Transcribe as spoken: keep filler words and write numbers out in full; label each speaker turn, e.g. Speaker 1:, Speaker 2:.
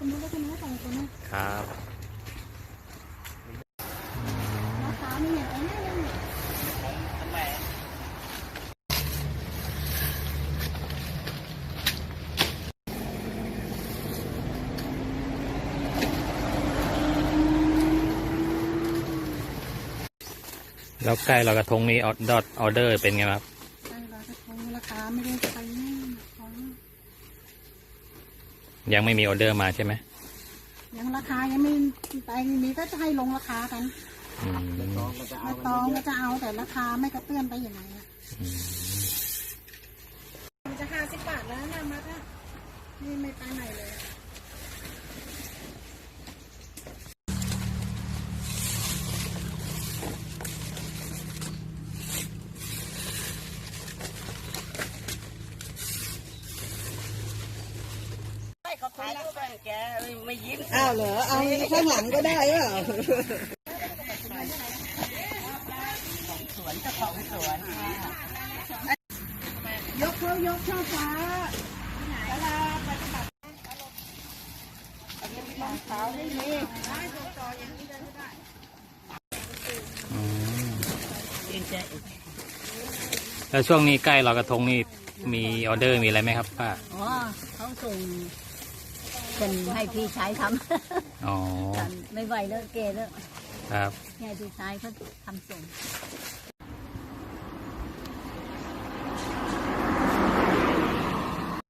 Speaker 1: ตรงนู้นแล้วตรงนู้นสองตัวนู้น
Speaker 2: ครับ
Speaker 1: ราคาไม่อย่างนี้
Speaker 2: แล้วใกล้ลอยกระทงนี้ออดออเดอร์เป็นไงครับ
Speaker 1: ใกล้ลอยกระทงราคาไม่ได้ไปนี่ของ
Speaker 2: ยังไม่มีออเดอร์มาใช่ไหม
Speaker 1: ยังราคายังไม่ไปนี้ก็จะให้ลงราคากันมาตองก็จะเอาแต่ราคาไม่กระเตื้อนไปอย่างไรอ่ะมันจะห้าสิบบาทแล้วนะมัดอ่ะนี่ไม่ไปไหนเลย
Speaker 3: เขาถ่ายรูปไปแกไม่ยิ้ม
Speaker 1: อ้าวเหรอเอาข้างหลังก็ได้เปล่า
Speaker 3: สวนเจ้าของสวน
Speaker 1: ยกเขายกช่อฟ้าเวลาปฏิบัติรองเท้าได้เลยได้ตัวต่ออย่างนี้ได้ไม่ได้
Speaker 2: แล้วช่วงนี้ใกล้ลอยกระทงนี่มีออเดอร์มีอะไรไหมครับป้า
Speaker 3: อ๋อเขาส่งเป็นให้พี่ชายทำ
Speaker 2: อ๋อ
Speaker 3: ไม่ไหวแล้วเกแล้ว
Speaker 2: ครับ
Speaker 3: ให้พี่ชายเขาทำส่ง